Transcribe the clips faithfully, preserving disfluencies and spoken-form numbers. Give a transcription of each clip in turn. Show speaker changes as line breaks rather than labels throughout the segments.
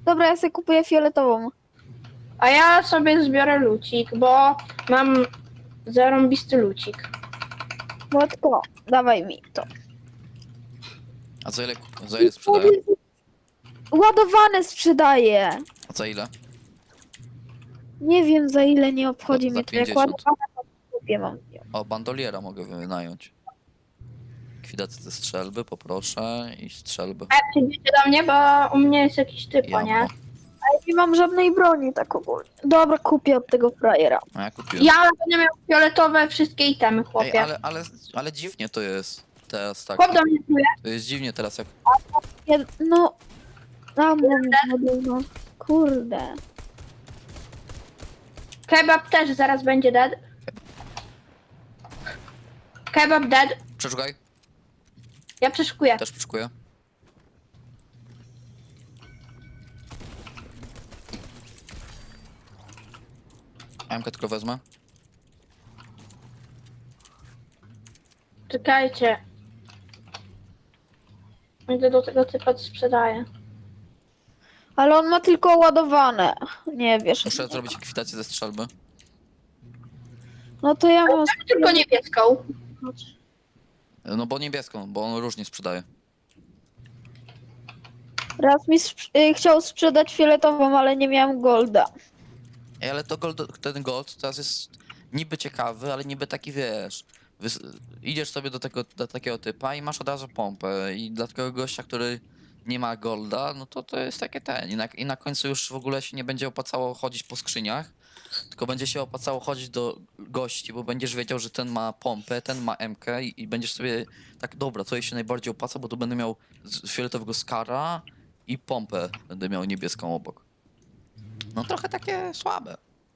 Dobra, ja sobie kupuję fioletową.
A ja sobie zbiorę lucik, bo mam zarąbisty lucik.
Młotko, dawaj mi to.
A za ile, za ile sprzedają?
Ładowane sprzedaję.
A za ile?
Nie wiem za ile, nie obchodzi
Za- za
mnie to. Jak
pięćdziesiąt.
ładowane to kupię mam.
O, bandoliera mogę wynająć. Likwidację ze strzelby, poproszę i strzelby.
A jak przyjdziecie do mnie, bo u mnie jest jakiś typo, nie?
Jammo.
Ale nie mam żadnej broni tak ogólnie. Dobra, kupię od tego frajera.
A ja kupiłem.
Ja będę miał fioletowe wszystkie itemy,
Ej,
chłopie.
ale, ale, ale dziwnie to jest teraz tak.
Chłop do mnie czuje.
To jest dziwnie teraz jak...
Ja, no... A, mam no. Kurde.
Kebab też zaraz będzie dead. Kebab dead.
Przeszukaj,
Ja przeszukuję.
też przeszukuję. Amkę tylko wezmę.
Czekajcie. Idę do tego typa, co sprzedaje.
Ale on ma tylko ładowane. Nie wiesz.
Muszę zrobić likwidację ze strzelby.
No to ja mam...
Tylko niebieską.
No bo niebieską, bo on różnie sprzedaje.
Raz mi sprz- y, chciał sprzedać fioletową, ale nie miałem golda.
Ej, ale to gold, ten gold teraz jest niby ciekawy, ale niby taki, wiesz... Wys- idziesz sobie do, tego, do takiego typa i masz od razu pompę i dla takiego gościa, który nie ma golda, no to to jest takie ten. I na, I na końcu już w ogóle się nie będzie opłacało chodzić po skrzyniach, tylko będzie się opłacało chodzić do gości, bo będziesz wiedział, że ten ma pompę, ten ma M K i, i będziesz sobie tak, dobra, to jej się najbardziej opłaca, bo tu będę miał z- fioletowego skara i pompę będę miał niebieską obok. No trochę takie słabe.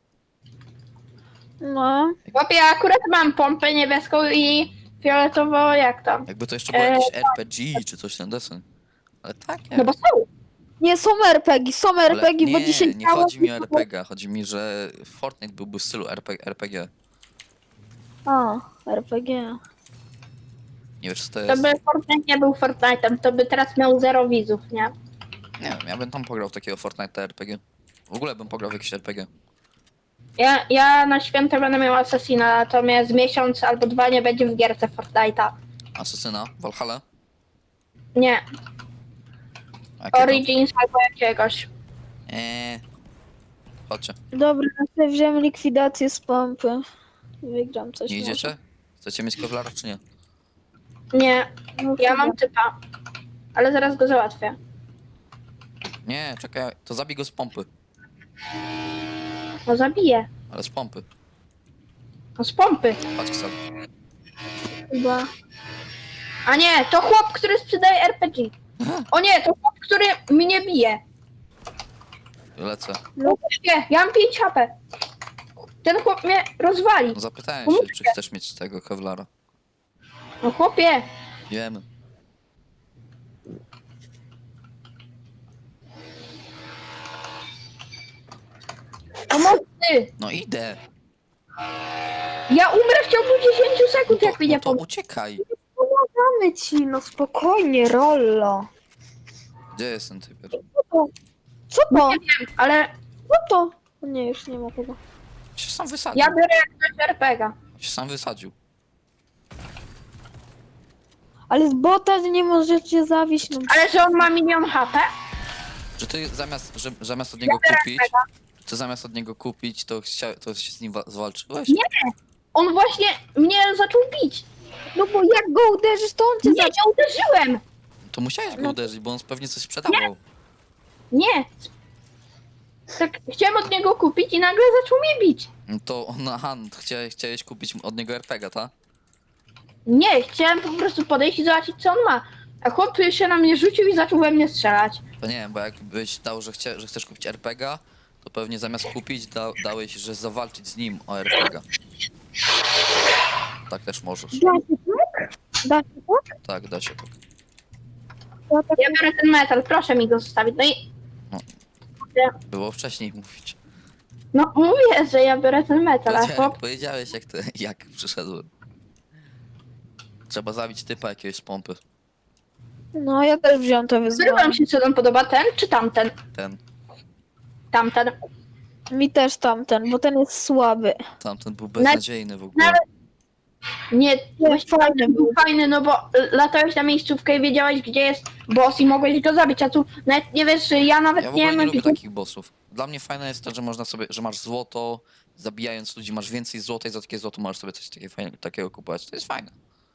No.
Chłopie, ja akurat mam pompę niebieską i fioletową, jak tam?
Jakby to jeszcze było jakieś R P G czy coś ten desen. Ale tak, nie.
No bo są.
Nie, są er pe gie, są er pe gie, bo
nie,
dzisiaj...
nie chodzi mi o R P G, chodzi mi, że Fortnite byłby w stylu R P, R P G.
A, er pe gie.
Nie wiesz co to
To
jest?
by Fortnite nie był Fortnite'em, to by teraz miał zero widzów, nie?
Nie wiem, ja bym tam pograł w takiego Fortnite R P G. W ogóle bym pograł w jakieś R P G.
Ja, ja na święta będę miał Assassina, natomiast miesiąc albo dwa nie będzie w gierce Fortnite'a.
Asesyna, Valhalla?
Nie,
Jakiego?
Origins albo jakiegoś.
Eee. Chodźcie,
Dobra, ja sobie wziąłem likwidację z pompy. Wygram coś.
nie
może.
idziecie? Chcecie mieć kevlara czy nie?
Nie,
No,
ja
chyba.
mam typa. Ale zaraz go załatwię.
Nie, czekaj, to zabij go z pompy.
No zabiję.
Ale z pompy.
No z pompy.
Patrz sobie.
Chyba.
A nie, to chłop, który sprzedaje er pe gie. O nie, to chłop, który mnie bije.
Lecę.
No nie, ja mam pięć ha pe. Ten chłop mnie rozwali.
No zapytałem się, czy chcesz mieć tego kevlara.
No chłopie,
Wiemy.
pomocy.
No idę.
Ja umrę w ciągu dziesięć sekund,
To,
jak mi nie
no to
pomoże.
uciekaj.
Pomagamy ci, no spokojnie, Rollo.
Gdzie jest ten typ?
Co to?
Nie wiem, ale
Co to? O nie, już nie ma chyba.
Się sam wysadził.
ja biorę jak coś er pe gie.
Się sam wysadził.
Ale z bota nie możecie zawieść. No.
Ale że on ma milion ha pe?
Że ty zamiast, że, zamiast od niego
biorę
kupić, to zamiast od niego kupić, to, chcia, to się z nim wa- zwalczyłeś?
Nie. On właśnie mnie zaczął bić.
No bo jak go uderzysz, to on cię
Nie,
zacznie.
nie uderzyłem.
To musiałeś go
No.
uderzyć, bo on pewnie coś sprzedawał.
Nie. Tak chciałem od niego kupić i nagle zaczął mnie bić.
No to on, aha, no to chciałeś, chciałeś kupić od niego R P G, tak?
Nie, chciałem po prostu podejść i zobaczyć, co on ma. A chłop się na mnie rzucił i zaczął we mnie strzelać.
To nie wiem, bo jakbyś dał, że, chcia, że chcesz kupić R P G, to pewnie zamiast kupić, da, dałeś, że zawalczyć z nim o R P G. Tak też możesz.
Da się tak? Da się tak?
Tak, da się tak.
Ja tak
Ja biorę ten metal, proszę mi go zostawić. No i...
No. Było wcześniej mówić.
No mówię, że ja biorę ten metal, a
Powiedziałeś,
chłop...
powiedziałeś jak, to, jak przyszedłem. Trzeba zabić typa jakiegoś z pompy.
No, ja też wziąłem to wyzwanie.
Który wam się co nam podoba, ten czy tamten?
Ten.
tamten.
Mi też tamten, bo ten jest słaby.
Tamten był beznadziejny w ogóle.
Nawet- Nie, właśnie
fajny
tamten był fajny, no bo latałeś na miejscówkę i wiedziałeś, gdzie jest boss i mogłeś go zabić, a tu nawet nie wiesz, ja nawet
Ja w
nie
ogóle nie
wiem,
lubię
gdzie...
takich bossów. Dla mnie fajne jest to, że można sobie, że masz złoto, zabijając ludzi masz więcej złota i za takie złoto możesz sobie coś takiego, fajnego, takiego kupować. To jest fajne.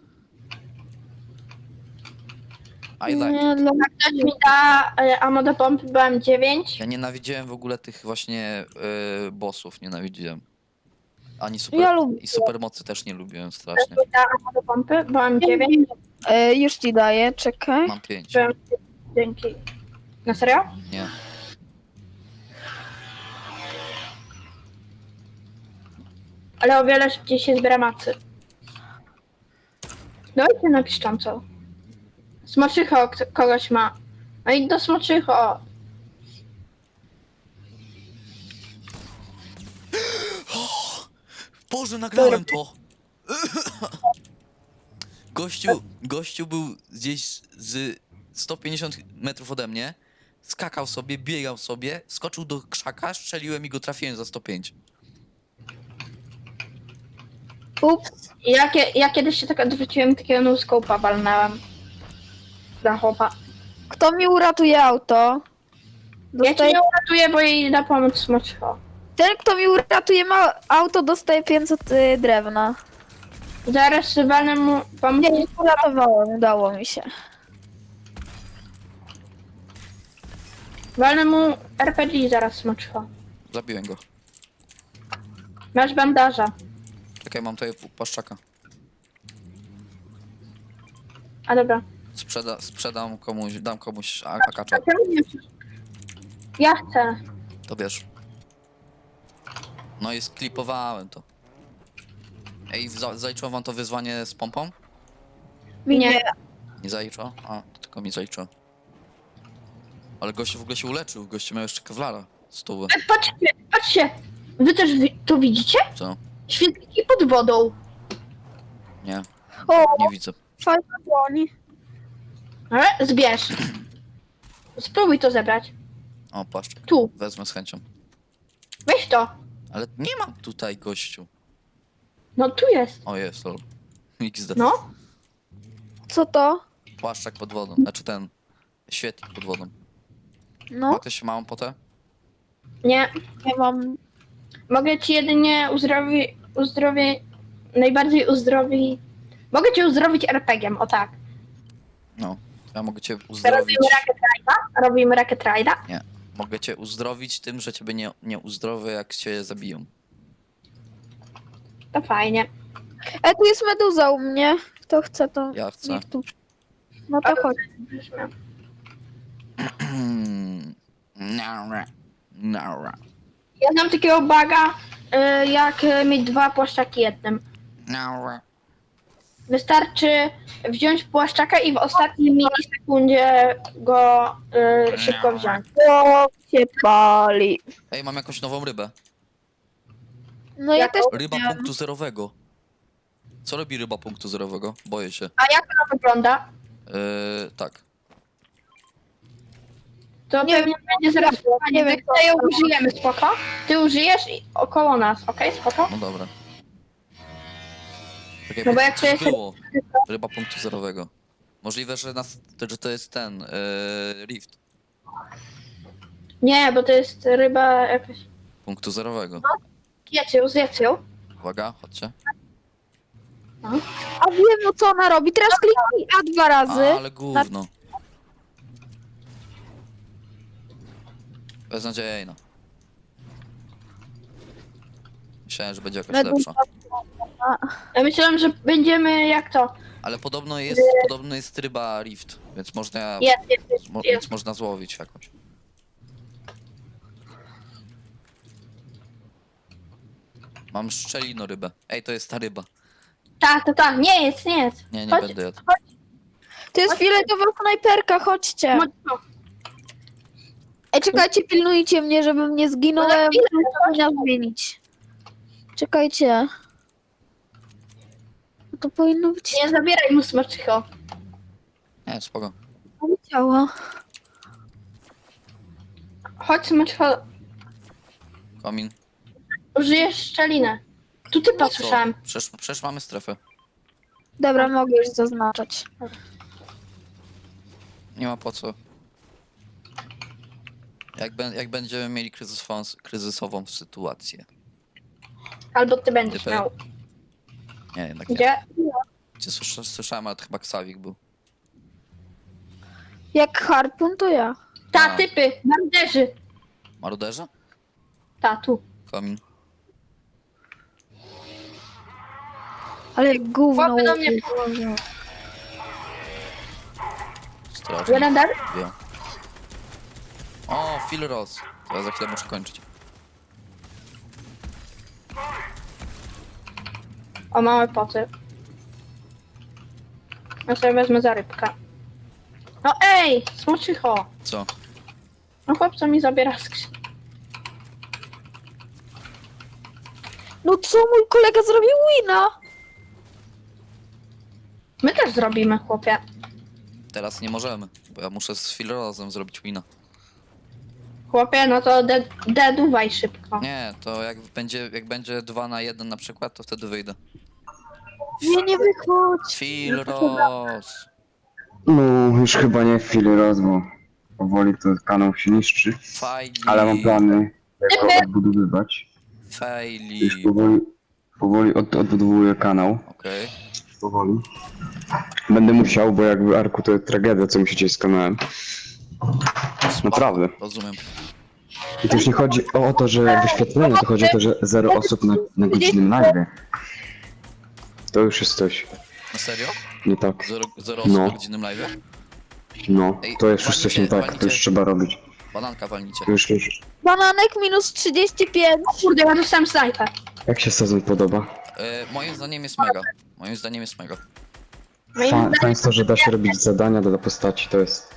I like
Nie,
it.
dla mnie
Ktoś mi da e, ammo do pompy B M dziewięć.
Ja nienawidziłem w ogóle tych właśnie y, bossów, nienawidziłem. Ani super,
Ja lubię.
i supermocy też nie lubiłem strasznie.
Ktoś mi da ammo do pompy B M dziewięć.
E, już ci daję, czekaj.
Mam pięć.
B M Dzięki. Na serio?
Nie.
Ale o wiele szybciej się zbiera macy. Dajcie napisz tam co. Smoczycho kto- kogoś ma. No i do smoczycho.
Boże, nagrałem to! Gościu, gościu był gdzieś z sto pięćdziesiąt metrów ode mnie, skakał sobie, biegał sobie, skoczył do krzaka, strzeliłem i go trafiłem za sto pięć.
Ups.
Ja, kie- ja kiedyś się tak odwróciłem, takiego no-scope'a walnęłem. Dla chłopa.
Kto mi uratuje auto?
Ja cię
Dostaje...
nie uratuję, bo jej idę pomóc smoczycho.
Ten, kto mi uratuje ma... auto, dostaje pięćset y, drewna.
Zaraz walnę mu pomóc.
Nie, nie uratowałem, udało mi się.
Walnę mu R P G zaraz smoczycho.
Zabiłem go.
Masz bandaża.
Czekaj, mam tutaj płaszczaka.
A dobra.
Sprzeda, sprzedam komuś, dam komuś a- akacza.
A czemu nie chcesz? Ja chcę.
To wiesz. No i sklipowałem to. Ej, za- zaliczyło wam to wyzwanie z pompą?
Mi
Nie.
nie.
Nie zaliczyło? A, to tylko mi zaliczyło. Ale gościu w ogóle się uleczył, gościu miał jeszcze kewlara. Stówę.
E, Patrzcie, patrzcie. Wy też wi- to widzicie?
Co?
Świetliki pod wodą.
Nie,
O,
nie widzę.
fajna broń.
Ale zbierz. Spróbuj to zebrać.
O, płaszczak.
Tu.
Wezmę z chęcią.
Weź to.
Ale nie mam tutaj gościu.
No tu jest.
O, jest, lol. X D.
No.
Co to?
Płaszczak pod wodą. Znaczy ten świetlik pod wodą. Ma
No,
ktoś małą potę?
Nie.
nie mam.
Mogę ci jedynie uzdrowi... uzdrowie... Najbardziej uzdrowi... Mogę cię uzdrowić er pe gie em, o tak.
No. Ja mogę cię
Teraz
uzdrowić.
robimy Rocket Ride'a. Robimy Rocket Ride'a.
Nie. Mogę cię uzdrowić tym, że ciebie nie, nie uzdrowię, jak cię zabiją.
To fajnie.
E, tu jest meduza u mnie. Kto chce, to
Ja chcę.
niech tu. No to chodź.
Nara. Nara.
Ja znam takiego baga, y, jak y, mieć dwa płaszczaki jednym.
Nara.
Wystarczy wziąć płaszczaka i w ostatniej milisekundzie go y, szybko wziąć.
O, się pali.
Ej, mam jakąś nową rybę.
No ja
Jaką?
też
Ryba
miałam.
punktu zerowego. Co robi ryba punktu zerowego? Boję się.
A jak ona wygląda?
Yy, tak.
To
Nie
pewnie będzie zaraz
nie
nie
wiem,
wiem, to ją użyjemy, spoko? Ty użyjesz i około nas, okej, spoko?
No dobra. Czekaj,
No bo jak to
coś
jest-
było. Ryba punktu zerowego. Możliwe, że, nas, że to jest ten, yy, Rift.
Nie, bo to jest ryba jakaś...
Punktu zerowego.
Zjedz ją, zjedz ją.
Uwaga, chodźcie.
A wiem, no co ona robi. Teraz kliknij A dwa razy.
A, ale gówno. Beznadziejna. Myślałem, że będzie jakaś
Meduza.
lepsza.
Ja myślałem, że będziemy jak to.
Ale podobno jest, podobno jest ryba Rift, więc można,
Jest, jest, jest.
mo,
jest.
więc można złowić jakąś. Mam szczelino rybę. Ej, to jest ta ryba.
Tak, to tak, nie jest, nie jest.
Nie, nie
Chodź,
będę jadł.
To jest fioletowa snajperka, chodźcie.
chodź, chodź.
Ej, czekajcie, pilnujcie mnie, żebym nie zginął.
No,
Ja
chwilę,
powinna zmienić. Czekajcie. No to powinno być...
Nie zabieraj mu smaczycho.
Nie, spoko.
Nie działa.
Chodź smaczycho.
Komin.
Użyjesz szczelinę. Tu typa
Co?
słyszałem.
Przecież, przecież mamy strefę.
Dobra, mogę już zaznaczać.
Nie ma po co. Jak, bę- jak będziemy mieli kryzysową, kryzysową sytuację.
Albo ty będziesz
Typy.
miał.
Nie, jednak nie.
Gdzie?
Gdzie słysza- słyszałem, ale to chyba Ksawik był.
Jak harpun, to ja.
Ta,
A.
typy, marderzy.
Maruderze?
Ta, tu.
Komin.
Ale jak gówno.
Chłopy do mnie-
Boże.
Strażnik.
Jeden dar?
Wiem. O, Phil Ross. Teraz za chwilę muszę kończyć.
O, małe poty. Ja sobie wezmę za rybkę. No ej, smoczycho.
Co?
No chłopca mi zabiera skrzynię.
No co mój kolega zrobił wina?
My też zrobimy, chłopie.
Teraz nie możemy, bo ja muszę z Phil Rossem zrobić wina.
Chłopie, no to de- deduwaj szybko.
Nie, to jak będzie, jak będzie dwa na jeden na przykład, to wtedy wyjdę.
Nie, nie wychodź.
Phil Ross.
No, już chyba nie chwili roz, bo powoli to kanał się niszczy,
Fajli.
ale mam plany, jak go odbudowywać. Już
Fajli.
powoli, powoli od, odbudowuję kanał,
Okej.
powoli. Będę musiał, bo jakby Arku to tragedia, co musicie z kanałem. Naprawdę.
Rozumiem.
I to już nie chodzi o to, że wyświetlenie, to chodzi o to, że zero osób na, na godzinnym live. To już jest coś
Na serio?
nie tak.
Zero, zero osób
No.
na godzinnym live?
No, to jest już coś nie tak, to już trzeba robić.
Bananka walnicie.
To już, już.
Bananek minus trzydzieści pięć.
Kurde, ja dostałem snajpę.
Jak się sezon podoba?
E, moim zdaniem jest mega. Moim zdaniem jest mega.
Moim
Fa-
zdaniem-
Fajnie jest to, że da się robić zadania do postaci, to jest...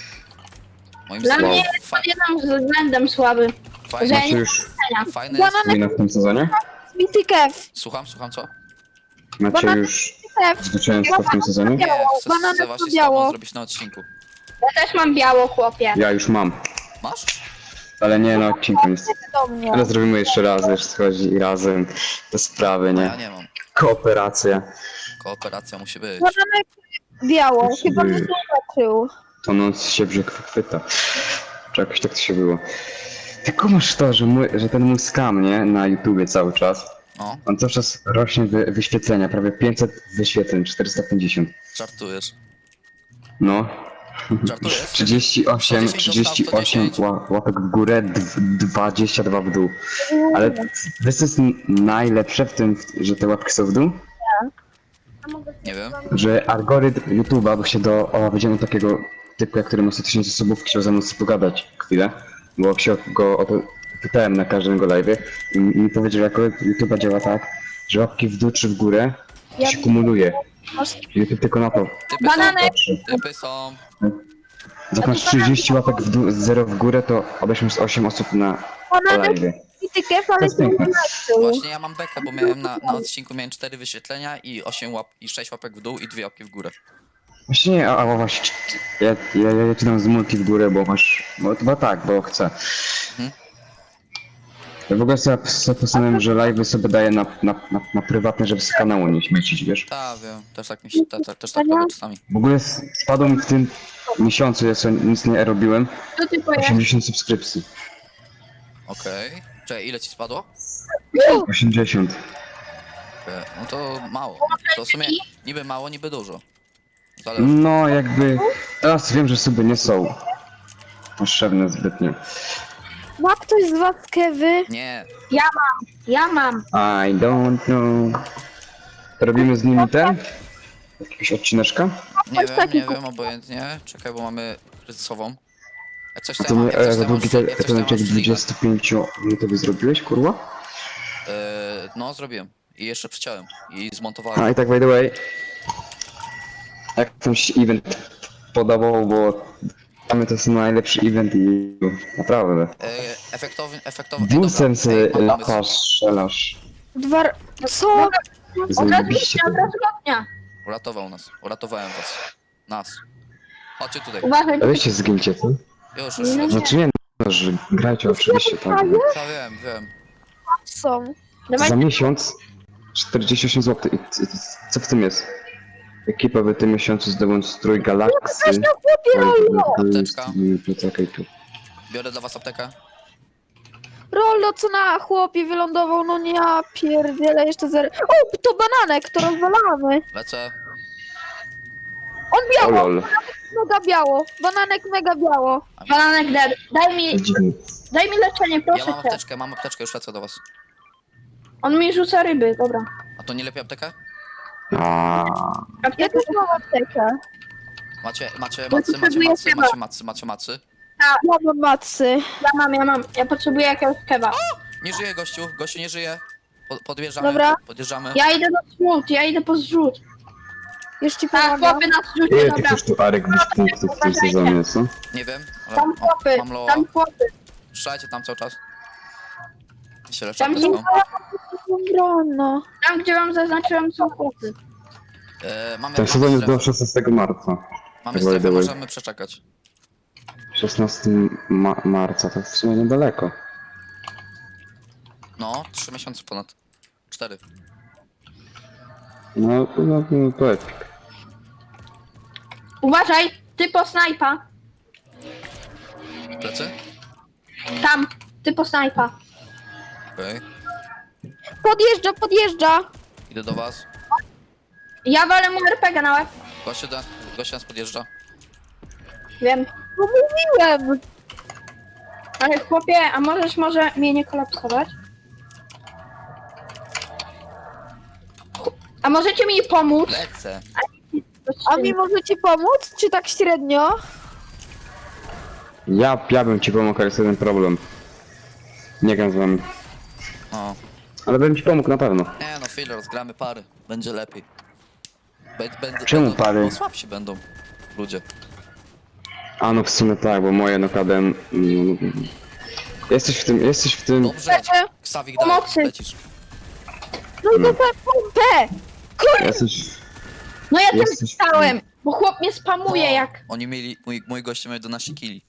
Moim
Dla
zdaniem
mnie
fa-
jest pod jednym względem słaby.
fajne,
że-
Znaczy już
fajne jest...
Bananek
wina w tym sezonie?
Mity Kev.
Słucham, słucham co?
Macie już
Kev.
zwycięstwo w tym sezonie?
Nie, chcę,
Bananek
chcę właśnie z
biało.
tobą zrobić na odcinku.
Ja też mam biało, chłopie.
Ja już mam,
Masz?
ale nie na odcinku jest.
Do mnie.
Ale zrobimy jeszcze raz, jeszcze chodzi i razem te sprawy,
No ja
nie?
nie mam.
Kooperacja.
Kooperacja musi być.
Bananek biało. Chyba mnie
Ty.
zobaczył.
Tonąc się brzeg chwyta. Czy jakoś tak to się było. Tylko masz to, że, mój, że ten mój skam, nie? Na YouTubie cały czas.
No,
On cały czas rośnie wy, wyświetlenia, prawie pięćset wyświetleń, czterysta pięćdziesiąt.
żartujesz.
No.
Żartujesz?
trzydzieści osiem,
sto dziesięć
trzydzieści osiem
dostał, sto
ła- łapek w górę, dw- dwadzieścia dwa w dół. Ale wiesz co jest n- najlepsze w tym, że te łapki są w dół?
Nie wiem.
Że algorytm YouTube'a, bo się do, o, będziemy takiego typu, który ma sto tysięcy subów, chciał ze mną pogadać chwilę, bo się go o to pytałem na każdym go live'ie i mi mi powiedział, że algorytm YouTube'a działa tak, że łapki w dół czy w górę
Ja-
się kumuluje.
Masz-
YouTube tylko na to
Typy
Bananek.
są.
patrzy.
Typy są.
Jak masz trzydzieści łapek w dół, zero w górę, to obejrzysz z osiem osób na
Bananek
live'ie.
Mity Kev, ale
jest
się nie
piękne.
zobaczył.
Właśnie ja mam bekę, bo miałem na, na odcinku miałem cztery wyświetlenia i osiem łap i sześć łapek w dół i dwie łapki w górę.
Właśnie nie, a, a właśnie, ja, ja, ja ci dam z multi w górę, bo masz, bo, bo tak, bo chcę.
Mhm.
Ja w ogóle sobie, sobie postanowiłem, że live'y sobie daję na, na, na, na prywatne, żeby z kanału nie śmiecić, wiesz?
Tak, wiem. Też tak mi się, ta, ta, też tak robię czasami.
W ogóle s- spadło mi w tym miesiącu, ja sobie nic nie robiłem,
Co ty powiesz?
osiemdziesiąt subskrypcji.
Okej. Czekaj, ile ci spadło?
osiemdziesiąt.
Okej, no to mało. To w sumie niby mało, niby dużo. Zależy.
No jakby, teraz wiem, że suby nie są potrzebne zbytnio.
Ma ktoś z was Kewy?
Nie,
Ja mam, ja mam.
I don't know. Robimy z nimi ten? Jakiegoś odcineczka?
nie
Coś
wiem, nie
takiego.
wiem, obojętnie. Czekaj, bo mamy kryzysową. Jak coś
A
to
to
ja mam,
my,
jak coś
jak
to ja mam,
długi te,
jak coś to
ten
ja mam
odcinek
streama.
dwudziestopięciominutowy zrobiłeś, kurwa?
Eee, no, zrobiłem. I jeszcze przyciąłem. I zmontowałem.
A i tak by the way, jak ten się event podobał, bo mamy to jest najlepszy event i naprawdę.
Eee, efektowny, efektowny. ej, dobra,
Busem
ej,
sobie
mam pomysł.
latasz, strzelasz.
Dwa... Co?
Od razu
Zajebiście
od
to.
razu lotnia.
Uratował nas. Uratowałem was. Nas. Chodźcie tutaj.
Uważaj,
A weźcie zgincie, co?
Już, już,
No
już.
Znaczy nie, że grajcie oczywiście tak. no.
Ja wiem, wiem.
Są.
Dawaj,
Za miesiąc czterdzieści osiem złotych. I c- c- co w tym jest? Ekipa w tym miesiącu zdemonstrowi galaksy.
Weź na chłopie Rollo!
Apteczka.
Poczekaj tu.
Biorę dla was aptekę.
Rollo, co na chłopie wylądował, no nie, ja pierdzielę, jeszcze zero. O, to bananek, to rozwalamy.
Lecę.
On
O
biało,
lol.
mega biało. Bananek mega biało.
bananek dead. Daj mi,
To dziwne.
daj mi leczenie,
Ja
proszę
mam
cię.
apteczkę, mam apteczkę, już lecę do was.
On mi rzuca ryby, dobra.
A to nie lepiej aptekę?
A,
Ja
Apteka
też mam aptekę.
Macie, macie
Bo
macy, macie
potrzebuję
macy,
chyba.
macie macy, macie macy.
Ja mam macy.
Ja mam, ja mam. Ja potrzebuję jakiegoś kewa.
Nie żyje gościu, gościu nie żyje. Po, podjeżdżamy,
Dobra.
podjeżdżamy.
Ja idę do zrzut, ja idę po zrzut.
Już ci
Tak,
pomagam.
chłopy na zrzucie,
ile ty
dobra.
chcesz tu Arek być punktów w tym sezonie, co?
Nie wiem, ale
Tam
mam,
chłopy,
mam loa.
tam chłopy.
Strzelajcie tam cały czas. I się leczę
Tam
apteczką.
Broń, no.
Tam, gdzie wam zaznaczyłem, są chłopy.
E, mamy,
Ten
mamy
sezon jest do
strefę,
szesnastego marca.
mamy
tak by
strefę,
the way.
możemy przeczekać.
szesnastego ma marca, to w sumie niedaleko.
No, trzy miesiące ponad. Cztery.
No, no, no to epik.
Uważaj, ty po snajpa.
Plecy?
Tam, ty po snajpa.
Okej.
Podjeżdża, podjeżdża.
Idę do was.
Ja walę mu er pe gie na łeb.
Gościu, do, gościu nas podjeżdża.
Wiem.
No mówiłem.
Ale chłopie, a możesz może mnie nie kolapsować? A możecie mi pomóc?
Lecę.
A mi możecie pomóc, czy tak średnio?
Ja, ja bym ci pomógł, ale jest jeden problem. Nie gram z wami.
O.
Ale bym ci pomógł na pewno.
Nie no, filler, zgramy pary. Będzie lepiej. Bę- Będę,
Czemu
będą,
pary?
Bo słabsi będą ludzie.
A no w sumie tak, bo moje nokadem... Mm, jesteś w tym, jesteś w tym...
Dobrze.
Leczy.
Ksawik, daj,
Pomocy.
lecisz.
No i dostałem pompę.
Jesteś...
No ja też
Jesteś-
stałem, bo chłop mnie spamuje
No,
jak...
Oni mieli, mój, mój goście miał jedenaście kili.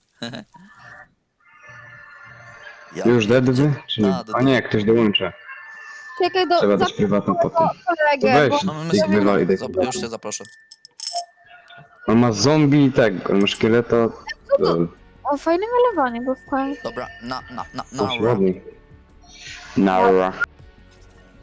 Ja
Już dead wy?
pierdzie-
Czy nie?
A, dead.
A nie, ktoś dołącza.
Czekaj, do...
Trzeba dać
za-
prywatną potem.
kolegę,
To weź.
bo...
No my
Ty
sobie,
wywali, daj
zap-
sobie.
już cię zaproszę.
On ma zombie i tego, on ma szkieleta... Lol.
O, fajne malowanie, bo fajnie.
Dobra, na, na, na,
To się
na.
ładnie. Naura.